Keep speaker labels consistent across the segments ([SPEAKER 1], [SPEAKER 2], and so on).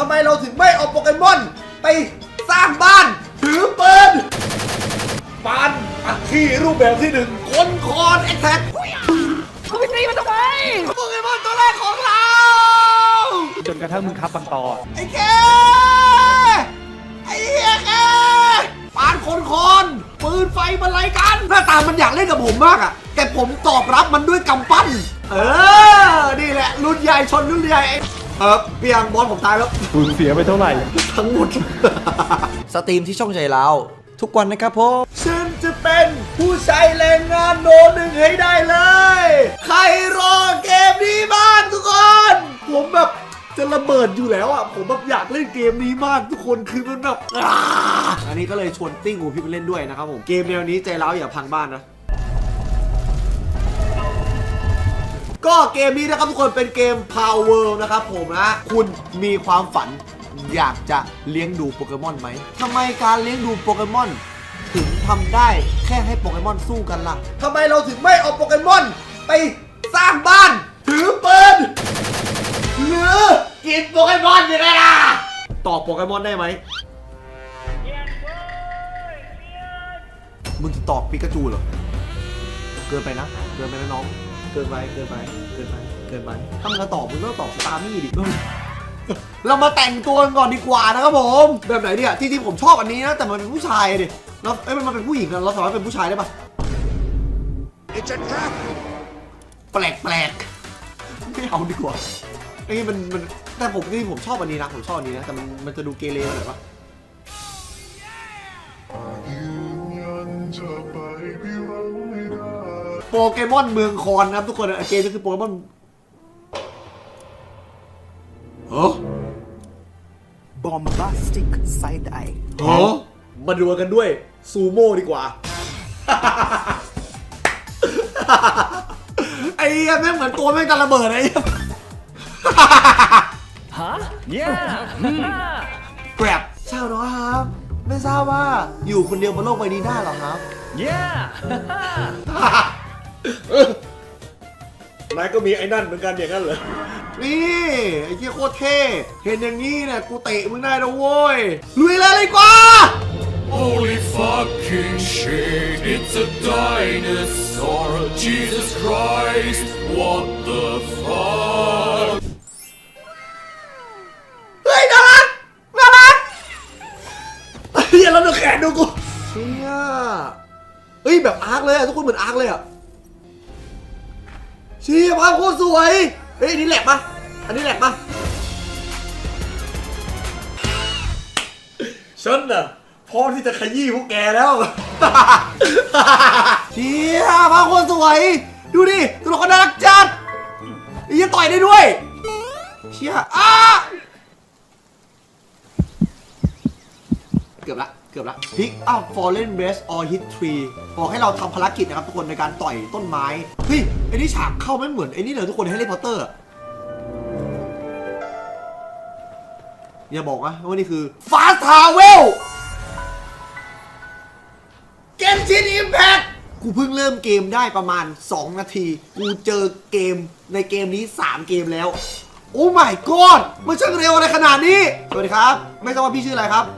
[SPEAKER 1] ทำไมเราถึงไม่เอาโปเกมอนไปสร้างบ้านถือปืนปานอัคคีรูปแบบที่หนึ่งคนคอนแอคแท็กเขาไปตีมันทำไมโปเกมอนตัวแรกของเรา
[SPEAKER 2] จนกระทั่งมึงคับบางตอ
[SPEAKER 1] ไอ้แกไอ้เหี้ยแกปานคนปืนไฟมันไรกันหน้าตามันอยากเล่นกับผมมากอะแต่ผมตอบรับมันด้วยกำปั้นนี่แหละรุ่นใหญ่ชนรุ่นใหญ่เปียงบอลผมตายแล้ว
[SPEAKER 2] สูญเสียไปเท่าไหร่
[SPEAKER 1] ทั้งหมดสตรีมที่ช่องใจเราทุกวันนะครับผมฉันจะเป็นผู้ใช้แรงงานโนหนึ่งให้ได้เลยใครรอเกมนี้บ้างทุกคนผมแบบจะระเบิดอยู่แล้วอ่ะผมแบบอยากเล่นเกมนี้มากทุกคนคือมันแบบอันนี้ก็เลยชวนติ้งหูพี่ไปเล่นด้วยนะครับผมเกมแนวนี้ใจร้าวอย่าพังบ้านนะก็เกมนี้นะครับทุกคนเป็นเกม Power นะครับผมนะคุณมีความฝันอยากจะเลี้ยงดูโปเกมอนไหมทำไมการเลี้ยงดูโปเกมอนถึงทำได้แค่ให้โปเกมอนสู้กันล่ะทำไมเราถึงไม่เอาโปเกมอนไปสร้างบ้านถือปืนหรือกินโปเกมอนยังไงล่ะต่อโปเกมอนได้ไหมมึงจะตอบปิกาจูเหรอเกินไปนะเกินไปนะน้องเกินไปถ้ามึงจะตอบมึงต้องตอบสตาร์มี่ดิเรามาแต่งตัวกันก่อนดีกว่านะครับผมแบบไหนเนี่ยที่ผมชอบอันนี้นะแต่มันเป็นผู้ชายดิแล้วมันเป็นผู้หญิงนะเราสามารถเป็นผู้ชายได้ปะ It's a trap แปลกไม่เอาดีกว่าไอ้มันแต่ผมชอบอันนี้นะผมชอบอันนี้นะแต่มันจะดูเกเรหน่อยปะโปเกมอนเมืองคอนนะครับทุกคนเกมก็คือโปเกมอน
[SPEAKER 3] Bombastic Side Eye
[SPEAKER 1] มาดูกันด้วยซูโม่ดีกว่า ไอ้เหี้ยแม่งเหมือนตัวแม่งจะระเบิดไอ้
[SPEAKER 2] ฮะเนี่ย
[SPEAKER 1] แกร็บชาวน้อยครับไม่ทราบว่าอยู่คนเดียวบนโลกใบนี้ได้หรอครับนายก็มีไอ้นั่นเหมือนกันอย่างนั้นเหรอนี่ไอ้เหี้ยโคตรเท่เห็นอย่างนี้เนี่ยกูเตะมึงได้แล้วโว้ยลุยเลยกว่า
[SPEAKER 4] Holy fucking shit it's a dinosaur Jesus Christ what the fuck
[SPEAKER 1] เฮ้ยน่ารักเฮียแล้วดูแขนดูกูเฮียเฮ้ยแบบอาร์คเลยอะทุกคนเหมือนอาร์คเลยอะเชี่ยภาพโคตรสวยเฮ้ยอันนี้แหลกปะฉันน่ะพร้อมที่จะขยี้พวกแกแล้วเชี่ยภาพโคตรสวยดูดิตัวละครน่ารักจัดยังต่อยได้ด้วยเชี่ยเกือบละPick up fallen branch or hit tree บอกให้เราทำภารกิจนะครับทุกคนในการต่อยต้นไม้เฮ้ยไอ้นี่ฉากเข้าไม่เหมือนไอ้นี่เลยทุกคนแฮร์รี่พอตเตอร์อย่าบอกนะว่านี่คือ Fast Travel Genshin Impact กูเพิ่งเริ่มเกมได้ประมาณ2นาทีกูเจอเกมในเกมนี้3เกมแล้วโอ้ my god มันช่างเร็วอะไรขนาดนี้สวัสดีครับไม่ทราบว่าพี่ชื่ออะไรครับ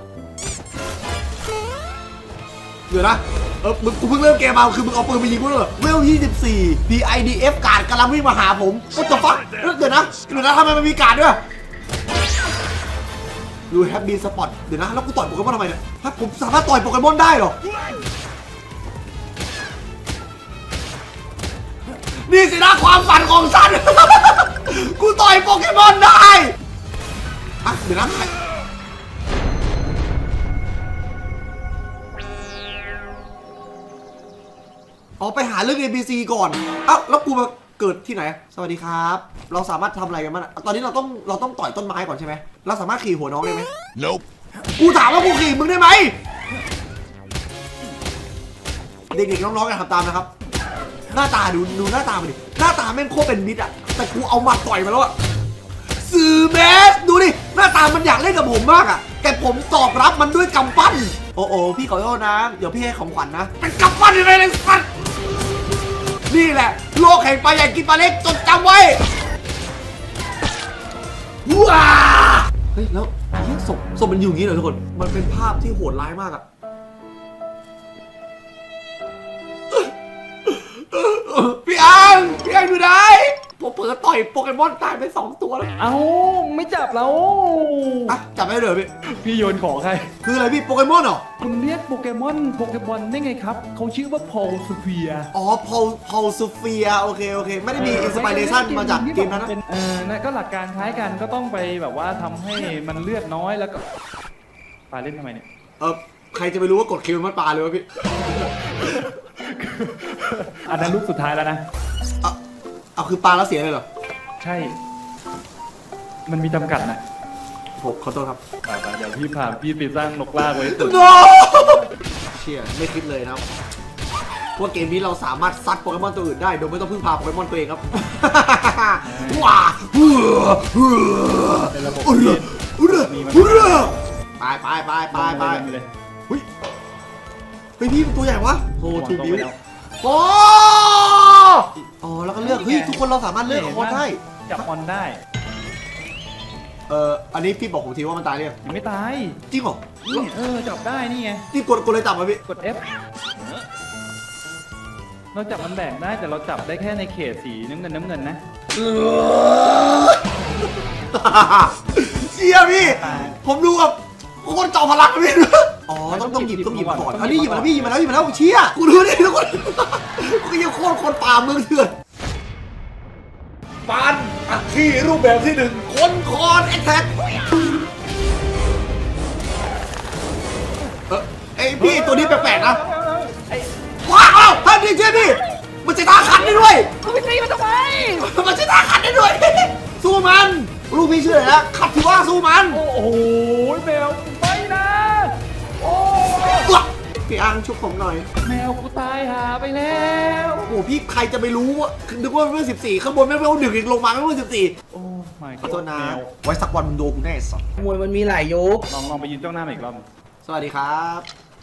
[SPEAKER 1] เดี๋ยวนะกูเพิ่งเริ่มเกมมาคือมึงเอาปืนไปยิงกูเหรอเวล24 PIDF การ์ดกำลังวิ่งมาหาผมว่าจะฟักเดี๋ยวนะทำไมมันมีการ์ดด้วยดูแฮปปี้สปอตเดี๋ยวนะแล้วกูต่อยโปเกมอนทำไมเนี่ยถ้าผมสามารถต่อยโปเกมอนได้เหรอนี่สินะความฝันของฉัน กูต่อยโปเกมอนได้เดี๋ยวนะไปหาเรื่อง NPC ก่อนแล้วกูมาเกิดที่ไหนสวัสดีครับเราสามารถทำอะไรกันบ้างตอนนี้เราต้องต่อยต้นไม้ก่อนใช่ไหมเราสามารถขี่หัวน้องได้ไหม
[SPEAKER 4] Nope
[SPEAKER 1] กูถามว่ากูขี่มึงได้ไหมเด็กๆน้องๆอย่าทำตามนะครับหน้าตาดูหน้าตามันดิหน้าตาแม่งโคตรเป็นมิตรแต่กูเอาหมัดต่อยมาแล้วสื่อแมสดูดิหน้าตามันอยากเล่นกับผมมากแต่ผมตอบรับมันด้วยกำปั้นโอ้พี่ขอโทษนะเดี๋ยวพี่ให้ของขวัญนะเป็นกำปั้นยังไงเลยสัตว์นี่แหละโลกแห่งปลาใหญ่กินปลาเล็กจดจำไว้ว้าเฮ้ยแล้วเฮ้ยศพมันอยู่อย่างนี้เหรอทุกคนมันเป็นภาพที่โหดร้ายมากอะพี่อังอยู่ไหนผมเปิดต่อยโปเกมอนตายไป2 ตัวแล้ว
[SPEAKER 2] เอ้าไม่จับแล้ว
[SPEAKER 1] อ่ะจับได้เลยพี่
[SPEAKER 2] พี่โยนของใคร
[SPEAKER 1] คืออะไรพี่โปเกมอนเหรอ
[SPEAKER 2] คุณเรียกโปเกมอนได้ไงครับเขาชื่อว่าพอลสเฟีย
[SPEAKER 1] อ๋อพอลซูเฟียโอเคไม่ได้มีอินสปิเรชันมาจากเกมนั้นนะ
[SPEAKER 2] นะก็หลักการคล้ายกันก็ต้องไปแบบว่าทำให้มันเลือดน้อยแล้วก็ปาเล่นทำไมเนี่ย
[SPEAKER 1] ใครจะไปรู้ว่ากดคิวมันปลาเลยวะพี่
[SPEAKER 2] อันนั้นลูกสุดท้ายแล้วนะ
[SPEAKER 1] เอาคือปลาแล้วเสียเลยเหรอ
[SPEAKER 2] ใช่ มันมีจำกัดนะ
[SPEAKER 1] ผมขอโทษครับ
[SPEAKER 2] ไปเดี๋ยวพี่พาพี่ไปสร้างนกลากไว้ตึก
[SPEAKER 1] no เชี่ยไม่คิดเลยนะครับว่าเกมนี้เราสามารถซัดโปเกมอนตัวอื่นได้โดยไม่ต้องพึ่งพาโปเกมอนตัวเองครับ ว้าไปเฮ้ยพี่เป็นตัวใหญ่วะโฮทูบิวโอ้อ๋อแล้วก็เลือกเฮ้ยทุกคนเราสามารถเลือกคอได้
[SPEAKER 2] จับออนได้
[SPEAKER 1] อันนี้พี่บอกผมทีว่ามันตายเลยง
[SPEAKER 2] ยังไม่ตาย
[SPEAKER 1] จริงเหรอ
[SPEAKER 2] นี่จับได้นี่ไง
[SPEAKER 1] นี่กดเลยจับมาพี่
[SPEAKER 2] กด F เราจับมันแบ่งได้แต่เราจับได้แค่ในเขตสีน้ำเงินนะ
[SPEAKER 1] เชี่ยพี่ผมดูแบบคนเจ้าพลังพี่อ๋อต้องหยิบมาก่อนอันนี้หยิบมาแล้วพี่หยิบมาแล้วเชี่ยกูดูดิทุกคนกูยังคนป่าเมืองเถื่อนปานอัคคีรูปแบบที่1คนคอนแอคแท็กไอพี่ตัวนี้แปลกๆนะว้าวท่านนี่เชื่อพี่มันจะตาขันได้ด้วย
[SPEAKER 2] กูไปตีมันทำไม
[SPEAKER 1] มันจะตาขันได้ด้วยสู้มันลูกพี่ชื่ออะไรนะขับถือว่าสู้มัน
[SPEAKER 2] โอ้โหแมวไปนะโอ้
[SPEAKER 1] พี่อังชุบผมหน่อย
[SPEAKER 2] แมวกูตายหาไปแล้ว
[SPEAKER 1] โอ้พี่ใครจะไปรู้ว่านึกว่าเมื่อ14ข้างบนไม่เมื่อ1อีกลงมาไม่เมื่อ14
[SPEAKER 2] โอ้ my
[SPEAKER 1] ขอโทษ
[SPEAKER 2] god
[SPEAKER 1] นะ
[SPEAKER 2] แมว
[SPEAKER 1] ไว้สักวันมึงโดนกูแน่สัส
[SPEAKER 3] มวยมันมีหลายยก
[SPEAKER 2] ลองไปยืนจ้องหน้ามาอีกรอบ
[SPEAKER 1] สวัสดีครับ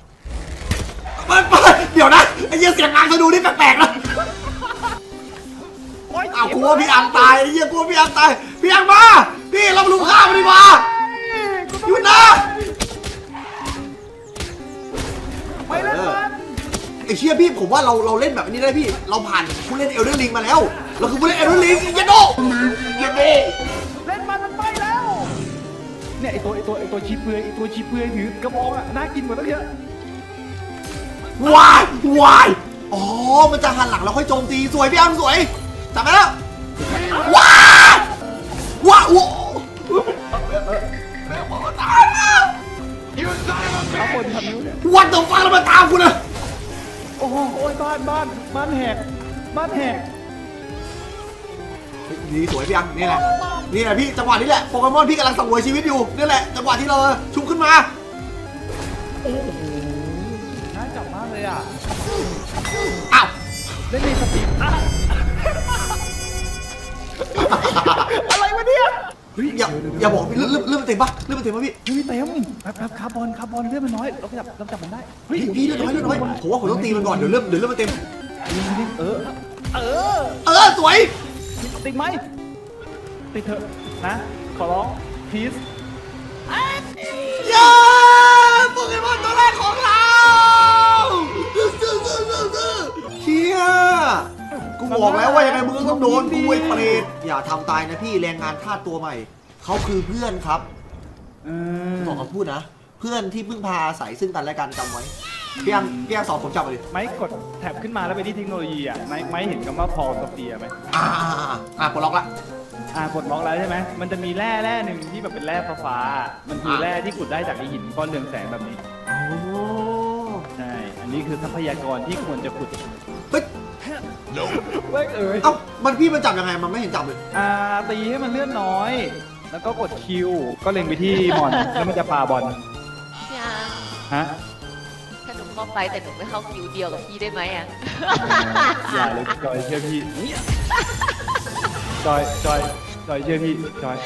[SPEAKER 1] เดี๋ยวนะไอ้เหี้ยเสียงงานจะดูนี่แปลกๆนะอ้าวกลัวพี่อังตายไอ้เหี้ยกลัวพี่อังตายพี่อังมาพี่เรามาลุมฆ่ามันดีกว่าหยุดนะ
[SPEAKER 2] ไปแล้วมัน
[SPEAKER 1] ไอ้เชี่ยพี่ผมว่าเราเล่นแบบนี้ได้พี่เราผ่านผู้เล่นเอลเดอร์ลิงมาแล้วเราคือผู้เล่นเอลเดอร์ลิงยันโด
[SPEAKER 2] เล่นมันไปแล้วเนี่ยไอตัวชีเปลือยถือกระบองอ่ะน่ากินกว่าตั้งเยอะ
[SPEAKER 1] วายอ๋อมันจะหันหลังแล้วค่อยโจมตีสวยพี่อังสวยจับไปแล้วว้าวโอ้
[SPEAKER 2] เอาคนทำนิ้วเนี่ย
[SPEAKER 1] วันต่อฟังแล้วมาตามกูนะ
[SPEAKER 2] โอ้โหบ้านแหก
[SPEAKER 1] นี่สวยพี่อังนี่แหละพี่จังหวะนี้แหละโปเกมอนพี่กำลังสังเวยชีวิตอยู่นี่แหละจังหวะที่เราชุบขึ้นมา
[SPEAKER 2] โอ้โหน่าจับมากเลยอ่ะ
[SPEAKER 1] อ้าว
[SPEAKER 2] เล่นในสติอะไรวะเนี่ย
[SPEAKER 1] อย่าบอกพี่เลื่อนมันเต็มปะเลื่อนมันเต็มปะพี่
[SPEAKER 2] เฮ้ยเต็มแบบคาร์บอนเลือดมันน้อยเราจับมันได้
[SPEAKER 1] พี่เลื่อนน้อยผมว่าผมต้องตีมันก่อนเดี๋ยวเลื่อนมันเต็ม สวย
[SPEAKER 2] ติดไหมติดเถอะนะขอร้องพีซ
[SPEAKER 1] เย้โปเกมอนตัวแรกของเราเชี่ยกูบอกแล้วว่ายังไงมึงก็ต้องโดนกูไอ้เปรตอย่าทำตายนะพี่แรงงานทาสตัวใหม่เขาคือเพื่อนครับบอกเขาพูดนะเพื่อนที่พึ่งพาอาศัยซึ่งกันและกันจำไว้พี่ยังสอนผมจับเลย
[SPEAKER 2] ไม้กดแท็บขึ้นมาแล้วไปที่เทคโนโลยีอ่ะไม้เห็นคำว่าพอลสเฟียไหม
[SPEAKER 1] ปลดล็อกละ
[SPEAKER 2] กดล็อกแล้วใช่ไหมมันจะมีแร่หนึ่งที่แบบเป็นแร่ฟ้ามันคือแร่ที่ขุดได้จากไอหินก้อนเรืองแสงแบบนี้
[SPEAKER 1] โอ้
[SPEAKER 2] ใช่อันนี้คือทรัพยากรที่ควรจะขุด
[SPEAKER 1] เฮ้ย
[SPEAKER 2] เอ้า
[SPEAKER 1] มันพี่มันจับยังไงมันไม่เห็นจับเลย
[SPEAKER 2] ตีให้มันเลื่อนน้อย แล้วก็กดคิวก็เล็งไปที่บอลแล้วมันจะปาบอล
[SPEAKER 5] พี่อาร์ม
[SPEAKER 2] ฮะ
[SPEAKER 5] ถ้าหนูเข้าไปแต่หนูไม่เข้าคิวเดียวกับพี่ได้ไหมอ่ะ
[SPEAKER 2] อย่าเลยจอยเชื่อพี่จอยเชื่อพี่จอย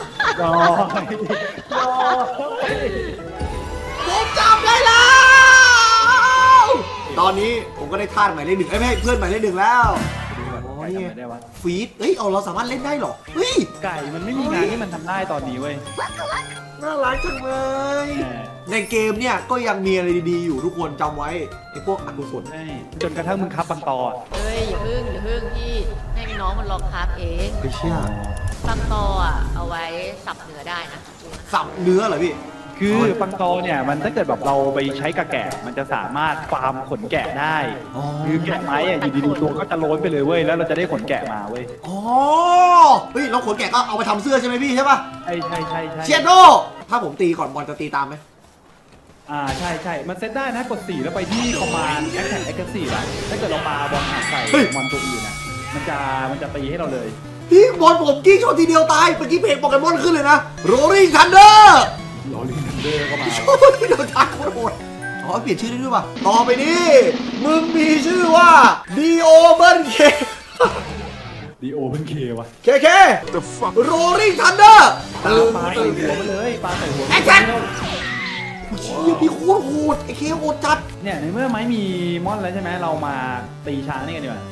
[SPEAKER 1] ผมจับได้แล้ว ตอนนี้ผมก็ได้ทาสหมายเลข 1ไม่ให้เพื่อนหมายเลข 1แล้วโอ้ย
[SPEAKER 2] ทำอะไรได้วะ
[SPEAKER 1] ฟีดเฮ้ยเอาเราสามารถเล่นได้เหรอเฮ้ย
[SPEAKER 2] ไก่มันไม่มีงานที่มันทำได้ตอนนี้เว้ย
[SPEAKER 1] น่ารักจังเลย
[SPEAKER 2] แหม
[SPEAKER 1] ในเกมเนี่ยก็ยังมีอะไรดีๆอยู่ทุกคนจำไว้ไอ้พวกอกุศล
[SPEAKER 2] ใช่จนกระทั่งมึงคับบางตออะ
[SPEAKER 5] เฮ้ยอย่าพึ่งพี่ให้น้องมันลองคราฟเอง
[SPEAKER 1] ไปเชื่อบ
[SPEAKER 5] างตออ่ะเอาไว้สับเนื้อได้นะ
[SPEAKER 1] สับเนื้อเหรอพี่
[SPEAKER 2] คือบางตอเนี่ยมันถ้าเกิดแบบเราไปใช้กระแกะมันจะสามารถฟาร์มขนแกะได้
[SPEAKER 1] อ๋อ
[SPEAKER 2] คือแกะไม้อะอยู่ดีๆตัวก็จะโล้นไปเลยเว้ยแล้วเราจะได้ขนแกะมาเว้ย
[SPEAKER 1] อ๋อเฮ้ยแล้วขนแกะก็เอาไปทำเสื้อใช่ไหมพี่ใช่ป่ะ
[SPEAKER 2] ใช่ใช่ใช่ใช่
[SPEAKER 1] เชียโดถ้าผมตีก่อนบอลจะตีตามไหม
[SPEAKER 2] ใช่ใช่มันเซตได้นะกด 4 แล้วไปที่ command attack aggressive อะถ้าเกิดเราปาบอลหาใส่มอนตัวอื่นนะมันจะตีให้เราเลย
[SPEAKER 1] พี่บอลผมกิ้งชนทีเดียวตายเมื่อกี้เพจโปเกมอนขึ้นเลยนะโรลิงทันเดอร์
[SPEAKER 2] ลอรีนันเดอร์ก็มา
[SPEAKER 1] โอ้ยเดี๋ยวตายโคตรโหดอ๋อเปลี่ยนชื่อได้ด้วยป่ะต่อไปนี้มึงมีชื่อว่าดีโอเบิร์นเค
[SPEAKER 2] ดีโอเป็นเควะ
[SPEAKER 1] เคโรลิงทันเดอร์
[SPEAKER 2] ปาใส่หัวไปเลยปาใส่หัว
[SPEAKER 1] แอคชั่นเชี่ยพี่โคตรโหดไอ้เคโหดจัด
[SPEAKER 2] เนี่ยในเมื่อไม้มีมอนแล้วใช่ไหมเรามาตีช้างนี่กันดีกว่า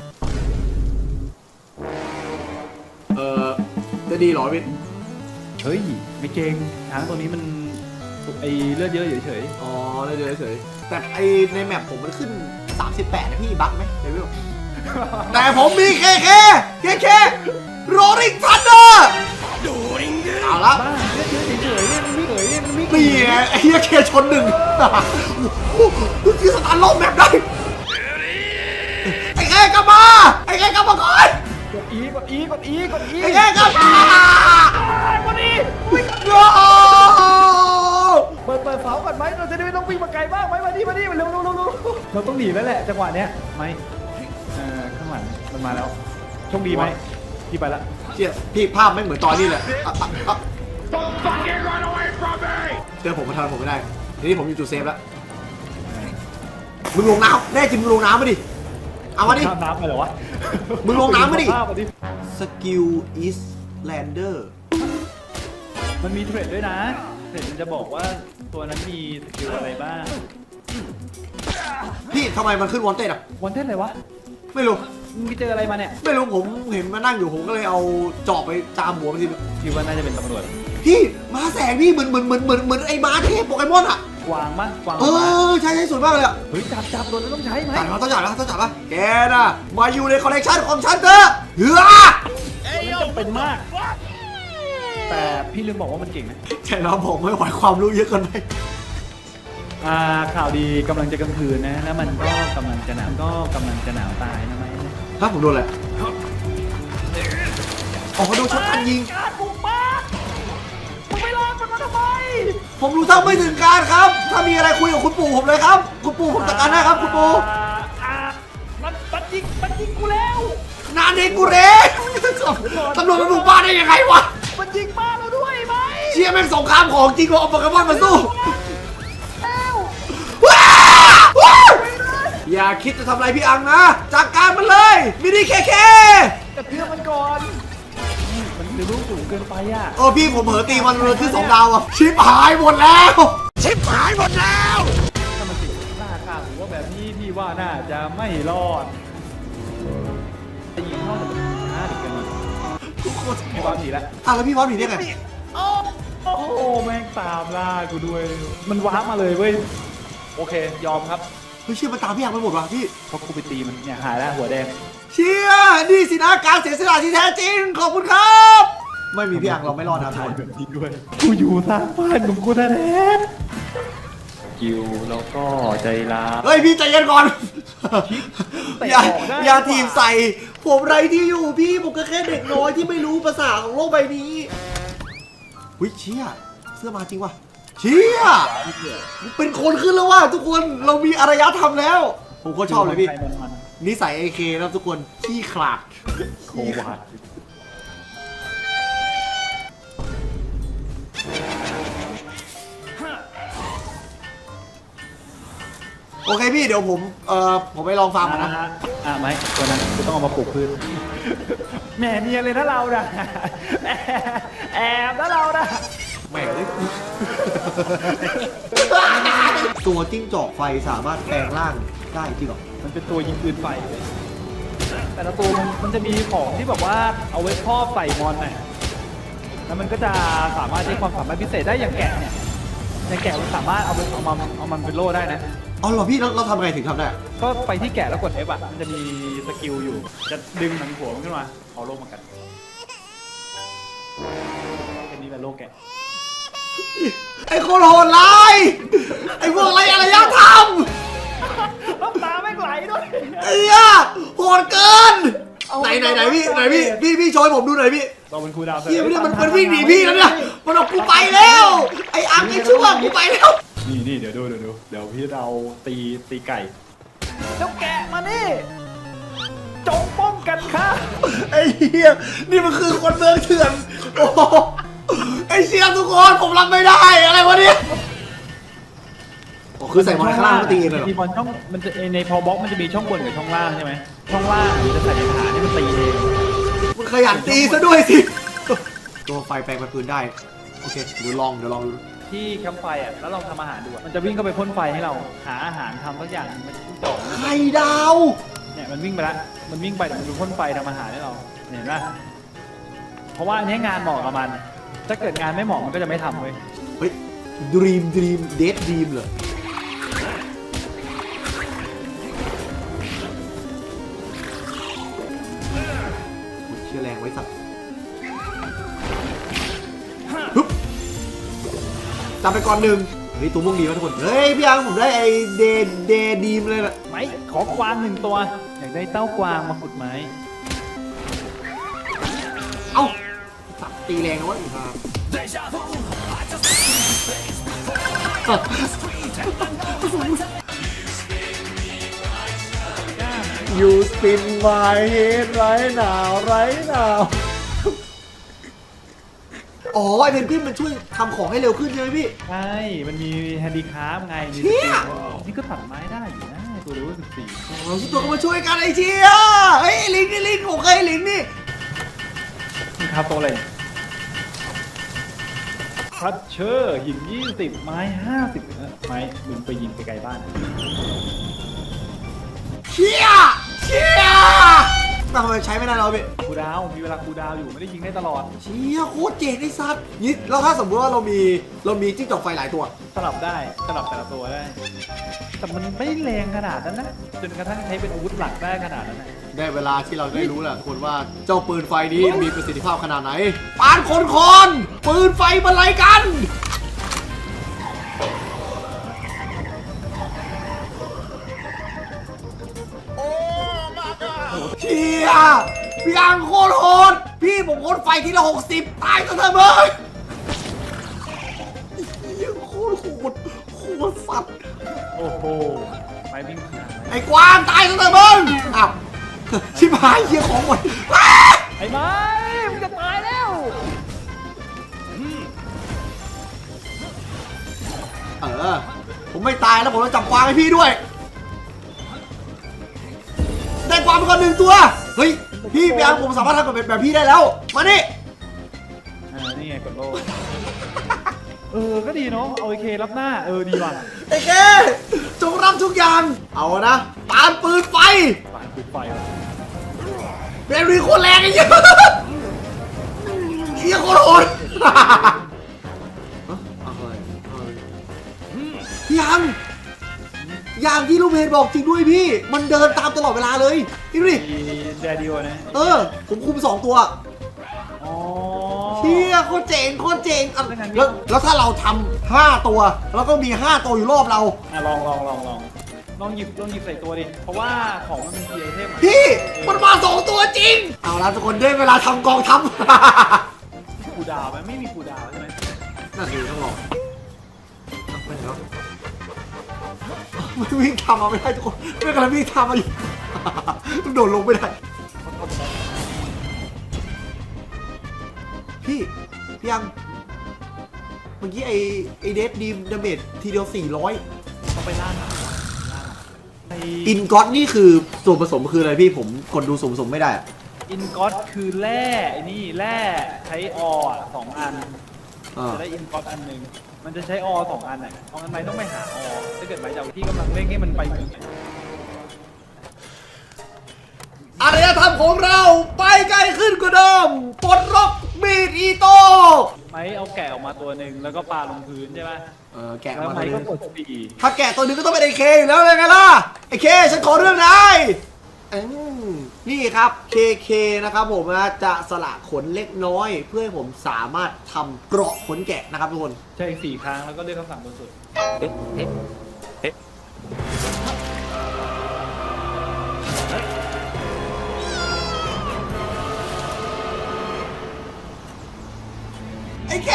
[SPEAKER 1] จะดีเหรอพี่
[SPEAKER 2] เฮ้ยไม่เก่งช้างตัวนี้มันไอเลือดเยอะเฉย
[SPEAKER 1] อ๋อเฉยๆแต่ไอในแมปผมมันขึ้น 38นะพี่บั๊กไหมเดี๋ยวพี่บอกแต่ผมมีเคโรลิงทันเดอร์เอาละ
[SPEAKER 2] ๆบ้าเลือดเยอะเฉยๆเนี่ยมันไม่เอ๋ยเนี่ยมันไม่
[SPEAKER 1] นี่ไงไอ้เหี้ยเคชนหนึ่งโอ้โหที่สตาร์ทโลกแมปได้ไอ้แค่กลับมาไอ้แค่กลับมาก่อน
[SPEAKER 2] กดอีกดอีกดอีกดอี
[SPEAKER 1] ไอ้แค่กลับมา
[SPEAKER 2] วันนี้
[SPEAKER 1] โอ้
[SPEAKER 2] เปิดเสาก่อนไหมเราจะได้ไม่ต้องวิ่งมาไกลบ้างไหมมาดิเร็วเราต้องหนีแล้วแหละจังหวะเนี้ยไหมข้างหลังมันมาแล้วโชคดีไหมพี่ไปละ
[SPEAKER 1] เชี่ยพี่ภาพไม่เหมือนตอนนี้เลยเจอผมมาทันผมไม่ได้ทีนี้ผมอยู่จุดเซฟแล้วมึงลงน้ำแน่จริงมึงลงน้ำมาดิเอามาดิ
[SPEAKER 2] ข้ามน้ำไปเหรอวะ
[SPEAKER 1] มึงลงน้ำมาดิ
[SPEAKER 2] ข้ดิ
[SPEAKER 1] สกิลอิสแลนเดอร์
[SPEAKER 2] มันมีเทรดด้วยนะเทรดมันจะบอกว่าตัวนั้นมีสกิลอะไรบ้าง
[SPEAKER 1] พี่ทำไมมันขึ้นวอนเต็ดอ่ะ
[SPEAKER 2] วันเทนอะไรวะ
[SPEAKER 1] ไม่รู้
[SPEAKER 2] มึงไปเจออะไรมาเนี่ย
[SPEAKER 1] ไม่รู้ผมเห็นมานั่งอยู่ผมก็เลยเอาจอบไปจามหัวมันที
[SPEAKER 2] คิดว่าน่าจะเป็นตำรวจ
[SPEAKER 1] พี่มาแสงพี่เหมือนไอ้ม้าเทพโปเกมอนอ่ะ
[SPEAKER 2] กวางมั้งกวาง
[SPEAKER 1] เออใช่สวยมากเลยอ่ะ
[SPEAKER 2] เฮ้ยจับโดนแล้วต้องใช้ไหม
[SPEAKER 1] จัดมาต้องจัดปะแกน่ะมาอยู่ในคอลเลกชันของฉันเถอะเฮ้อ
[SPEAKER 2] มันจำเป็นมาก แต่พี่ลืมบอกว่ามันเก่งนะ
[SPEAKER 1] ใช่แล้วผมไม่ไหวความรู้เยอะเกินไป
[SPEAKER 2] ข่าวดีกำลังจะกลางคืนนะ แล้วมันก็กำลังจะหนาวตายนะไหม
[SPEAKER 1] ถ้าผมโดนอะไรอ๋อโดนช็อตกันยิง
[SPEAKER 2] การบุกบ้านมึงไม่รอดมันมาทำไม
[SPEAKER 1] ผมรู้เท่าไม่ถึงการครับ ถ้ามีอะไรคุยกับคุณปู่ผมเลยครับ คุณปู่ผมจัดการให้ครับคุณปู่
[SPEAKER 2] มันยิงกูแล้ว
[SPEAKER 1] นานเองกูเรตำรวจมาบุกบ้านได้ยังไงวะ
[SPEAKER 2] มันยิงบ้านเราด้วยไหม
[SPEAKER 1] เชี่ยแม่งสงครามของจริงว่าเอาโปเกมอนมาสู้อย่าคิดจะทำอะไรพี่อังนะจัดการมันเลยมินิเค
[SPEAKER 2] กระเทือมันก่อนมันเร็วสูงเกินไปอ่ะ
[SPEAKER 1] พี่ผมเผลอตีมันเลยขึ้น2 ดาวอ่ะชิปหายหมดแล้ว
[SPEAKER 2] ถ้ามันติดหน้าข้างหรือว่าแบบนี้พี่ว่าน่าจะไม่รอดจะยิงเข้าแต่มันช้าดีเกินพี่บอลหนีแล้ว
[SPEAKER 1] แล้วพี่วอสหนีได้ไง
[SPEAKER 2] โอ้โหแม่งตามล่ากูด้วย มันว้ามาเลยเว้ยโอเคยอมครับ
[SPEAKER 1] เฮ้ยเชี่ยมันตามพี่อังไปหมดว่ะพี่
[SPEAKER 2] เพราะกูไปตีมันเนี่ยหายแล้วหัวแดง
[SPEAKER 1] เชี่ยนี่สินะการเสียสละที่แท้จริงขอบคุณครับ ไม่มีพี่อังเราไม่รอดนะทุก
[SPEAKER 2] ถ่าย
[SPEAKER 1] คน
[SPEAKER 2] แบบนี้ด้วยกูอยู่ทางบ้านของกูแท้ๆกิวแล้วก็ใจร้าย
[SPEAKER 1] เฮ้ยพี่ใจเย็นก่อน
[SPEAKER 2] เตะ
[SPEAKER 1] อย่า
[SPEAKER 2] ออกได้
[SPEAKER 1] อย่า
[SPEAKER 2] ดีกว่า
[SPEAKER 1] ทีบใส่ผมไรที่อยู่พี่ผมก็แค่เด็กน้อยที่ไม่รู้ภาษาของโลกใบนี้หุ้ยเชี่ยเสื้อมาจริงว่ะเชี่ยเป็นคนขึ้นแล้วว่ะทุกคนเรามีอารยธรรมแล้ว ผมก็ชอบเลยพี่
[SPEAKER 2] มัน
[SPEAKER 1] นิสัยไอเคนะทุกคนขี้ขลาด
[SPEAKER 2] โควาด
[SPEAKER 1] โอเคพี่เดี๋ยวผมไปลองฟาร์มก่อนนะ
[SPEAKER 2] ไหมตัวนั้นกูต้องเอามาปลูกพืชแหมเนียนเลยนะเราน่ะแอบนะเราน่ะ
[SPEAKER 1] แหม่เลย ตัวจิ้งจอกไฟสามารถแปลงร่างได้จริงเหรอ
[SPEAKER 2] มันเป็นตัวยิงปืนไฟเลยแต่ละตัวมันจะมีของที่แบบว่าเอาไว้ครอบใส่มอนน่ะแล้วมันก็จะสามารถใช้ความสามารถพิเศษได้อย่างแกะเนี่ยอย่างแกะมันสามารถเอามันเป็นโล่ได้นะ
[SPEAKER 1] เอาเหรอพี่เราทำไงถึงทำได้
[SPEAKER 2] ก็ไปที่แกะแล้วกด F อ่ะมันจะมีสกิลอยู่ จะดึงหนังหัวมันขึ้นมาเอาโล่มากันอันนี้เป็นโล่แกะ
[SPEAKER 1] ไอ้คนโหดร้ายไอ้พวกอะไรอารยธรรม
[SPEAKER 2] น้ำตาไม่ไหลด้วย
[SPEAKER 1] ไอ้เหี้ยโหดเกินไหนพี่โชว์ให้ผมดูหน่อยพี่
[SPEAKER 2] เราเป็นครูดาว
[SPEAKER 1] เฮียไม่ได้มันวิ่งหนีพี่แล้วเนี่ยมันบอกกูไปแล้วไอ้อังไอ้ชั่วกูไปแล้ว
[SPEAKER 2] นี่เดี๋ยวพี่เราตีไก่เจ้าแกะมานี่จงป้องกันค่ะ
[SPEAKER 1] ไอ้เฮียนี่มันคือคนเมืองเถื่อนโอ้โหไอ้เชี่ยทุกคนผมรับไม่ได้อะไรวะเนี่ยคือใส่มอนข้างล่างก็ตีเองเลยเหรอ
[SPEAKER 2] มีบอลช่องมันจะในพอบล็อกมันจะมีช่องบนกับช่องล่างใช่ไหมช่องล่างมันจะใส่ในฐานที่มันตีเอง
[SPEAKER 1] มึงขยันตีซะด้วยสิตัวไฟแปลงเป็นปืนได้โอเคเดี๋ยวลองดู
[SPEAKER 2] ที่แคมป์ไฟอ่ะแล้วลองทำอาหารดูมันจะวิ่งเข้าไปพ่นไฟให้เราหาอาหารทำสักอย่างมันจะจ่อ
[SPEAKER 1] ไข่ดาว
[SPEAKER 2] เนี่ยมันวิ่งไปแล้วมันวิ่งไปแต่มันพ่นไฟทำอาหารให้เราเห็นไหมเพราะว่าอันนี้งานเหมาะกับมันถ้าเกิดงานไม่เหมาะมันก็จะไม่ทำเว้ย
[SPEAKER 1] เฮ้ยดรีมเดทดรีมเหรอเชื่อแรงไว้สัตว์ฮึบจำไปก่อนหนึ่งเฮ้ยตัวม่วงดีวะทุกคนเฮ้ยพี่อังผมได้ไอเดดีมเลยนะ
[SPEAKER 2] ไหมขอกวาง1 ตัวอยากได้เต้ากวางมาขุดไหม
[SPEAKER 1] เอ้าสับตีแรงนะวะอีกครับยูสปินไมเฮดไรหนาวอ๋อไอเพนกวินมันช่วยทำของให้เร็วขึ้นใช่ไหมพี่
[SPEAKER 2] ใช่มันมีแฮนดี้คราฟไงมี
[SPEAKER 1] เชี่ย
[SPEAKER 2] นี่ก็ตัดไม้ได้อยู่นะตัวเลเวล14
[SPEAKER 1] เราทุกตัวก็มาช่วยกันไอ้เชี่ยเฮ้ยลิงนี่ผมเคยลิงนี่
[SPEAKER 2] มันคราฟตัวอะไรคัตเชอร์หิน20ไม้50ไม้มึงไปยิงไกลๆบ้าน
[SPEAKER 1] เชี่ยทำไมใช้ไม่ได้เราพี่
[SPEAKER 2] คูดาวมีเวลาคูดาวอยู่ไม่ได้ยิงได้ตลอด
[SPEAKER 1] เชี่ยโคตรเจ๋งไอ้สัสนี่แล้วถ้าสมมติว่าเรามีจิ้งจอกไฟหลายตัว
[SPEAKER 2] สลับได้สลับแต่ละตัวได้ แต่มันไม่แรงขนาดนั้นนะจนกระทั่งใช้เป็นอาวุธหลักได้ขนาดนั้นนะ
[SPEAKER 1] ได้เวลาที่เราได้รู้แล้วทุกคนว่าเจ้าปืนไฟนี้มีประสิทธิภาพขนาดไหนปานคนปืนไฟบรรลัยกันเชี่ยพี่อังโคตรโหดพี่ผมพ่นไฟทีละ60ตายซะเถอะมึงเหี้ยโคตรโหดสัตว์
[SPEAKER 2] โอ้โหไปวิ่งผ่าน
[SPEAKER 1] ไอ้กวางตายซะเถอะมึงอ้าวชิบหายเหี้ยของหมด
[SPEAKER 2] ไอ้ไม้มันจะตายแล้ว
[SPEAKER 1] ผมไม่ตายแล้วผมจะจับกวางให้พี่ด้วยได้กวางมาก่อน1 ตัวเฮ้ยพี่พี่อังผมสามารถทำแบบพี่ได้แล้วมานี่
[SPEAKER 2] นี่ไงกดโล่ก็ดีเนาะเอาไอเครับหน้าดีว่ะ
[SPEAKER 1] ไอ้แกจงรับทุกอย่างเอานะปานปืนไฟ
[SPEAKER 2] ฝ่ายปิดไฟแล้ว
[SPEAKER 1] เบรีโคตรแรงไอ้เหี้ยเหี้ยโคตรโหดพี่อังอย่างที่ลูกเพจบอกจริงด้วยพี่ มันเดินตามตลอดเวลาเลยพี่ดูดิ
[SPEAKER 2] มีแดดิโอนะ
[SPEAKER 1] ผมคุม2 ตัว
[SPEAKER 2] อ๋อ
[SPEAKER 1] เชี่ยโคตรเจ๋งอ่ะแล้วถ้าเราทำ5 ตัวแล้วก็มี5 ตัวอยู่รอบเรา
[SPEAKER 2] ลองหยิบใส่ตัวดิเพราะว่าของมันมีไอเทม
[SPEAKER 1] พี่มันมา2 ตัวจริงเอาละทุกคนได้เวลาทำกองทัพ
[SPEAKER 2] คูดาวไหมไม่มีคูดาวใช่ไหม
[SPEAKER 1] น่าจะต้องลองไม่เห็นแล้วมันวิ่งทำมาไม่ได้ทุกคนไม่กำลังวิ่งทำมาอยู่ ต้องโดดลงไม่ได้พี่ยังเมื่อกี้ไอเดฟดีมดาเมจทีเดียว400
[SPEAKER 2] ต้องไปล่าหนัง
[SPEAKER 1] อินก็อตนี่คือส่วนผสมคืออะไรพี่ผมกดดูส่วนผสมไม่ได้
[SPEAKER 2] อินก็อตคือแร่ไอ้นี่แร่ใช้อ2 อันจะได้อินก็อตอันหนึ่งมันจะใช้2 อันอ่ะเอาอันไหนต้องไปหาถ้าเกิดหมายจากที่กำลังเร่งให้มันไปถึง
[SPEAKER 1] อารยจะทำของเราไปไกลขึ้นกว่าเดิมปลดล็อกมีดอีโต้
[SPEAKER 2] ไม้เอาแกะออกมาตัวหนึ่งแล้วก็ปาลงพื้นใช่ไหม
[SPEAKER 1] แกะ
[SPEAKER 2] แล้ว
[SPEAKER 1] มา
[SPEAKER 2] ไม้
[SPEAKER 1] ตัว
[SPEAKER 2] ก็
[SPEAKER 1] นึง
[SPEAKER 2] กดสี่
[SPEAKER 1] ถ้าแกะตัวหนึงก็ต้องเป็นไอเคอยู่แล้วเลยไงล่ะไอเคฉันขอเรื่องนายนี่ครับเคนะครับผมนะจะสละขนเล็กน้อย เพื่อให้ผมสามารถทำเกราะขนแกะนะครับทุกคน
[SPEAKER 2] ใช่4 ครั้งแล้วก็เลือกคำสั่งบนสุด
[SPEAKER 1] ไอเค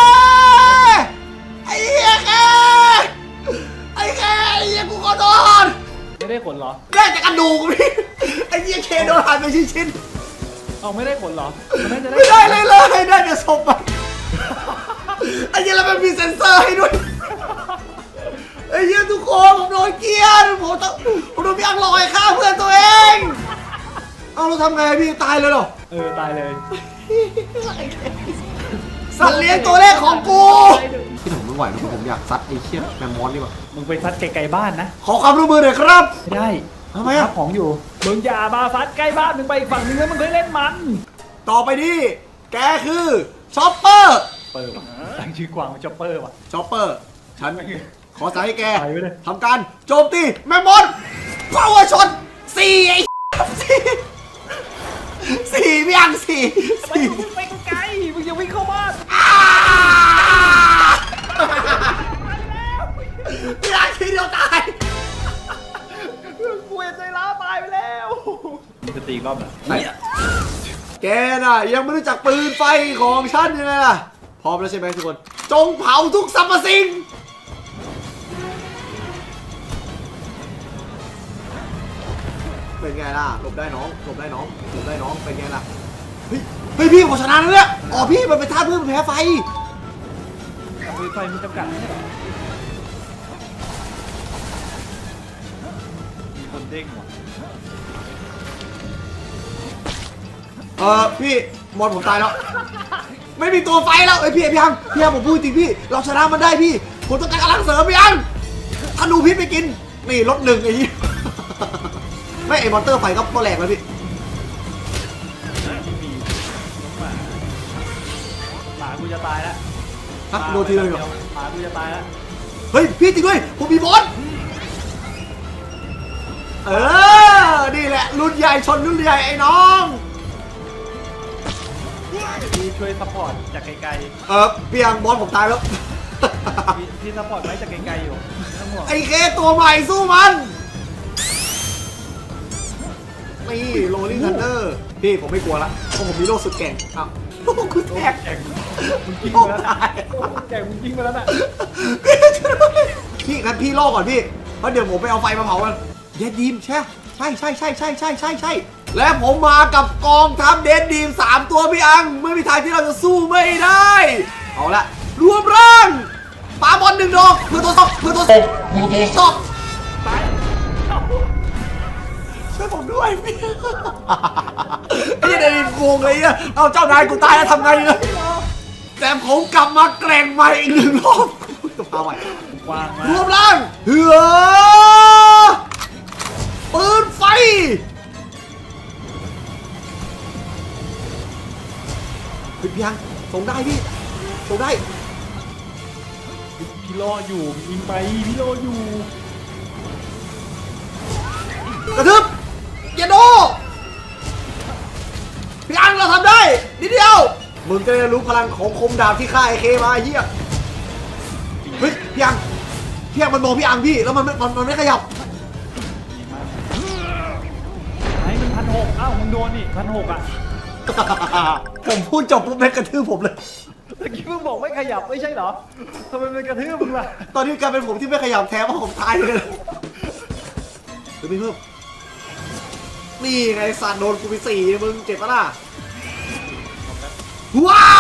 [SPEAKER 1] ไอเหี้ยเคไอเคไอเหี้ยกูขอโทษ
[SPEAKER 2] ไม่ได้ขนเหรอ
[SPEAKER 1] ได้จากกระดูกพี่ไอเหี้ยเคโดนหั่นเป็นชิ้น
[SPEAKER 2] เอาไม่ได้ขนเหรอมันน่าจะ
[SPEAKER 1] ๆ
[SPEAKER 2] ได้
[SPEAKER 1] ไม่ได้เลยได้แต่ศพอะไอเหี้ยแล้วมันมีเซ็นเซอร์ให้ด้วยไอเหี้ยทุกคนผมโดนเกลียดผมโดนพี่อังลอยฆ่าเพื่อนตัวเองเอาเราทำไงพี่ตายเลยเหรอ
[SPEAKER 2] ตายเลย
[SPEAKER 1] สัตว์เลี้ยงตัวแรกของกูพี่ผมไม่ไหวแล้วผมอยากซัดไอ้เชี่ยแมมมอสดีกว่า
[SPEAKER 2] มึงไปซัดไกลๆบ้านนะ
[SPEAKER 1] ขอความร่วมมือหน่อยครับ
[SPEAKER 2] ไม่ได้
[SPEAKER 1] ทำไมอะ
[SPEAKER 2] ทับของอยู่มึงอย่ามาซัดใกล้บ้านมึงไปอีกฝั่งนึงแล้วมึงเคยเล่นมัน
[SPEAKER 1] ต่อไปนี้แกคือช็อปเปอร์
[SPEAKER 2] เปิดตั้งชื่อกวางเป็นจ็อปเปอร์ว่ะ
[SPEAKER 1] ช็อปเปอร์ฉันขอสั่งให้แก
[SPEAKER 2] ไปไว้เลย
[SPEAKER 1] ทำการโจมตีแมมมอสพาวเวอร์ช็อตสี่ไอ้สี่พี่อังสี่
[SPEAKER 2] มึงไปไกลมึงอย่าวิ่งเข้าบ้าน
[SPEAKER 1] พี่อังทีเดียวตาย
[SPEAKER 2] กูใจร้าวตายไปแล้วจะตีรอบเหรอ
[SPEAKER 1] แกน่ะยังไม่รู้จักปืนไฟของฉันยังไงล่ะพร้อมแล้วใช่ไหมทุกคนจงเผาทุกสรรพสิ่งเป็นไงล่ะหลบได้น้องหลบได้น้องหลบได้น้องเป็นไงล่ะเฮ้ยพี่ผมชนะแล้วเนี่ยอ๋อพี่มันเป็นท่าเพื่อมันแพ้ไฟ
[SPEAKER 2] ปืนไฟมีจำกัดไม่ใช่เหรอมีคนเด้งว่ะ
[SPEAKER 1] พี่มอนผมตายแล้ว ไม่มีตัวไฟแล้วไอ้ยพี่ยังผมพูดจริงพี่เราชนะมันได้พี่ผมต้องการกำลังเสริมพี่ยังธนูพิษไปกินนี่ลดหนึ่งไอ้ยี่ ไม่ไอ้มอนเตอร์ไฟก็แหลกแล้วพี่
[SPEAKER 2] มีหมากูจะตายแล้ว
[SPEAKER 1] ฮะโดนทีเลยเหรอ
[SPEAKER 2] หมากูจะตายแล้ว
[SPEAKER 1] เฮ้ยพี่จริงด้วยผมมีบอสนี่แหละรุ่นใหญ่ชนรุ่นใหญ่ไอ้น้อง
[SPEAKER 2] พี่ช่วยซัพพอร์ตจากไกล
[SPEAKER 1] พี่ยังบอสผมตายแล้ว
[SPEAKER 2] ๆพี่ซัพพอร์ตไว้จากไกลๆอยู่ไม่ต้องห่วง
[SPEAKER 1] ไอ้เคตัวใหม่สู้มันนี่โรลลิ่งทันเดอร์พี่ผมไม่กลัวละเพราะผมมีโล่สุดแก่งอ้าวโล่กูแตก
[SPEAKER 2] แจกมึงยิง
[SPEAKER 1] โล่
[SPEAKER 2] มาแล้ว
[SPEAKER 1] ตาย
[SPEAKER 2] แจกมึงยิงมาแล้วน่ะ
[SPEAKER 1] พี่งั้นพี่ล่อก่อนพี่เพราะเดี๋ยวผมไปเอาไฟมาเผามันเดดดีมใช่และผมมากับกองทัพเดดดีม3ตัวพี่อังไม่มีทางที่เราจะสู้ไม่ได้เอาละรวมร่างปาบอล1 ดอกเพื่อตัวตกช่วยผมด้วยพี่ไอ้เดนโกงเลยอ่ะเอาเจ้านายกูตายแล้วทำไงเนี่ยแต่ผมกลับมาแกร่งใหม่อีก1 รอบจะพาไป
[SPEAKER 2] วางมาร
[SPEAKER 1] วมร่างเหือปืนไฟพี่ยังส่งได้พี่ส่งได้
[SPEAKER 2] พี่รออยู่ยิงไปพี่รออยู่
[SPEAKER 1] กระทึบอย่าโดพี่อังเราทำได้นิดเดียวมึงจะได้รู้พลังของคมดาบที่ฆ่าไอ้เคมาไอ้เหี้ยเฮ้ยพี่อังมันมองพี่อังพี่แล้วมันไม่ขยับ
[SPEAKER 2] ไอ้มัน1,600อ้าวมึงโดนนี่1,600อ่ะ
[SPEAKER 1] ผมพูดจบปุ๊บแม่งกระทืบผมเลย
[SPEAKER 2] เมื่อกี้มึงบอกไม่ขยับไม่ใช่เหรอทำไมมันกระทืบมึงล่ะ
[SPEAKER 1] ตอนนี้กลายเป็นผมที่ไม่ขยับแท้เพราะผมตายเลยเดี๋ยวพี่เพิ่มนี่ไงสัตว์โดนกูไป4มึงเจ็บปะล่ะว้า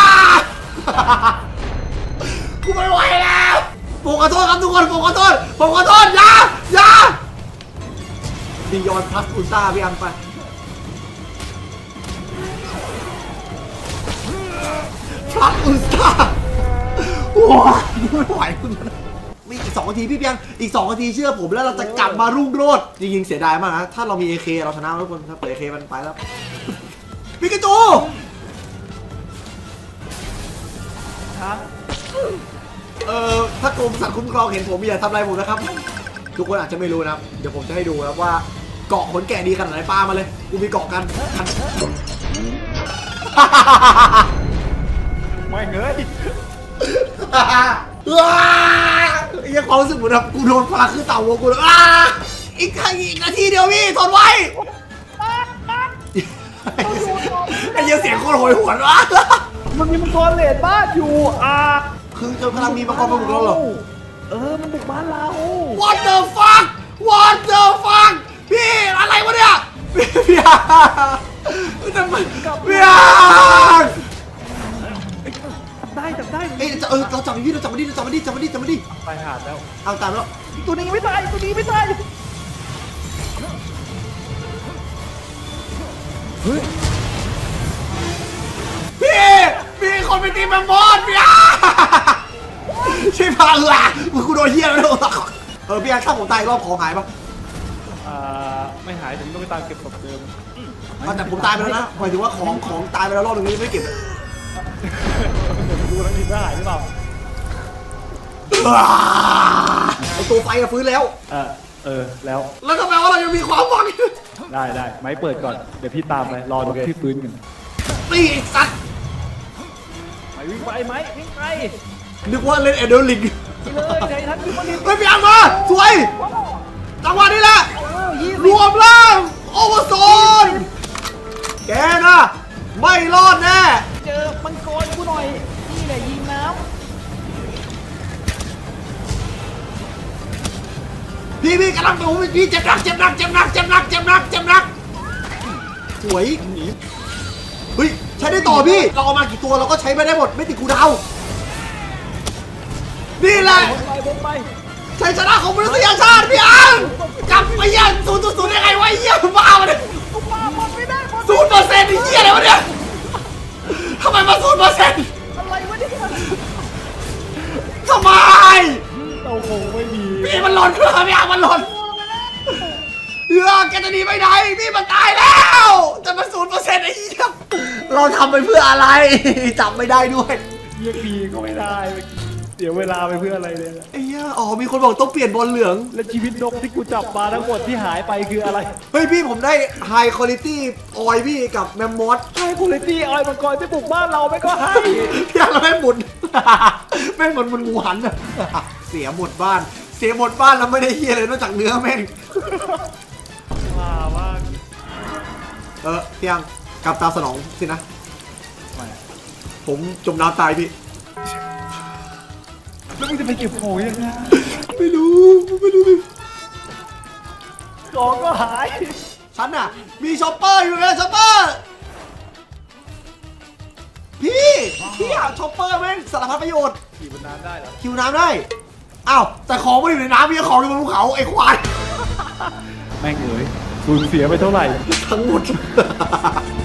[SPEAKER 1] กูไม่ไหวแล้วผมขอโทษครับทุกคนผมขอโทษอย่าดิยอนพลัสอุลตร้าพี่อันไปพลัสอุลตร้าว้าไม่ไหวคุณนอีก2 นาทีพี่เพียงอีก2 นาทีเชื่อผมแล้วเราจะกลับมารุ่งโรจน์จริงๆเสียดายมากนะถ้าเรามี AK เราชนะทุกคนถ้าเปิด AK มันไปแล้วปิกาจู
[SPEAKER 2] ครับ
[SPEAKER 1] ถ้ากรมสัตว์คุ้มครองเห็นผมอย่าทำอะไรผมนะครับทุกคนอาจจะไม่รู้นะครับเดี๋ยวผมจะให้ดูนะครับว่าเกาะขนแกะดีขนาดไหนปลามาเลยกูมีเกาะกัน
[SPEAKER 2] ไม่เงย
[SPEAKER 1] ยังความรู้สึกเหมือนแบบกูโดนพาขึ้นเต่าวัวกูเลยอีกนาทีเดียวพี่ทนไว้ไอ้เหี้ยเสียงโคตรโหยหวนวะ
[SPEAKER 2] มันมีมังกรเลดบ้านอยู่
[SPEAKER 1] คือจนกำลังมีมังกรมาบุกเราเหรอ
[SPEAKER 2] มันบุกบ้านเรา
[SPEAKER 1] What the fuck What the fuck พี่อะไรวะเนี่ยพี่ทำไมพี่
[SPEAKER 2] จับได้
[SPEAKER 1] เอ้ยเราจับมันดิเราจับมันดิ
[SPEAKER 2] ไปหาดแล้ว
[SPEAKER 1] เอาตามแล้ว
[SPEAKER 2] ตัวนี้ยังไม่ตายตัวนี้ไม่ตายเฮ้ย
[SPEAKER 1] พี่คนไปตีแมมมอสพี่ช่วยพากูโดนเหี้ยแล้วพี่ถ้าผมตายรอบของหายปะ
[SPEAKER 2] ไม่หายถึงต้องไปตามเก็บศพเดิม
[SPEAKER 1] แต่ผมตายไปแล้วนะหมายถึงว่าของตายไปแล้วรอบนึงไม่เก็บ
[SPEAKER 2] ดูแล้วทีหายหรือเปล่า
[SPEAKER 1] เอาตัวไฟฟื้นแล้ว
[SPEAKER 2] แล้ว
[SPEAKER 1] แล้วทำไมว่าเรายังมีความหวัง
[SPEAKER 2] ได้ไม้เปิดก่อนเดี๋ยวพี่ตามไปรอดูพี่ฟื้นกัน
[SPEAKER 1] นี่ไอ้สัตว์
[SPEAKER 2] ไม้วิ่งไปไม้วิ่งไป
[SPEAKER 1] นึกว่าเล่นเอเดอร์ลิง
[SPEAKER 2] เลยใจทันพี่มัน
[SPEAKER 1] เฮ้ยพี่อังมาสวยจังหวะนี้แหละรวมล่างโอเวอร์โซนแกนะไม่รอดแน่
[SPEAKER 2] เจอมังกรกูหน่อยนี่แหละยิงน้
[SPEAKER 1] พี่กำลังไปผมพี่เจ็บหนักสวยเฮ้ยใช้ได้ต่อพี่เราเอามากี่ตัวเราก็ใช้ไม่ได้หมดไม่ติดคูลดาวน์นี่แหละ
[SPEAKER 2] ำไป
[SPEAKER 1] ชัยชนะของมนุษยชาติพี่อังกลับไปยัง0.0ได้ไงวะเหี้ยบ้าวะเนี่ย
[SPEAKER 2] กูปาหมดไม่ได้หมด
[SPEAKER 1] 0%ไอ้เหี้ยอะไรวะเนี่ยทำไมมา0%
[SPEAKER 2] อะไรวะเนี่ย
[SPEAKER 1] ทำไม
[SPEAKER 2] โอ้โหไม่มี
[SPEAKER 1] พี่มันหล่นพี่อังมันหล่นแกจะหนีไปไหนพี่มันตายแล้วแต่มัน0%ไอ้เหี้ยเราทำไปเพื่ออะไรจำไม่ได้ด้วย
[SPEAKER 2] เรียกพีก็ไม่ได้เสียเวลาไปเพื่ออะไรเลย
[SPEAKER 1] ไอ้เหี้ยอ๋อมีคนบอกต้องเปลี่ยนบอลเหลือง
[SPEAKER 2] และชีวิตนกที่กูจับมาทั้งหมดที่หายไปคืออะไร
[SPEAKER 1] เฮ้ยพี่ผมได้ High Quality ออยพี่กับแมมมอส
[SPEAKER 2] ให้คุณเลตี้ออยมังกรที่บุกบ้านเราไม่ก็ให้
[SPEAKER 1] พี่เราไม่หมุน แม่งเหมือนหมูหันอะเสียหมดบ้านแล้วไม่ได้เฮียเลยนอกจากเนื้อแม่ง
[SPEAKER 2] ว้าว่า
[SPEAKER 1] พี่ยังกลับตามสนองสินะ ผมจมน้ำตายพี่
[SPEAKER 2] แล้วมึงจะไปเก็บโผล่ยังไง
[SPEAKER 1] ไม่รู้ดิ
[SPEAKER 2] ของก็หาย
[SPEAKER 1] ฉันน่ะมีช็อปเปอร์อยู่นะช็อปเปอร์พี่อะช็อปเปอร์แม่งสารพัดประโยชน์
[SPEAKER 2] ขี่บนน้ำได้เหรอ
[SPEAKER 1] คิวน้ำได้อ้าวแต่ของไม่อยู่ในน้ำมีของอยู่บนภูเขาไอ้ควาย
[SPEAKER 2] แม่งเอ๋ยสูญเสียไปเท่าไหร่
[SPEAKER 1] ทั้งหมด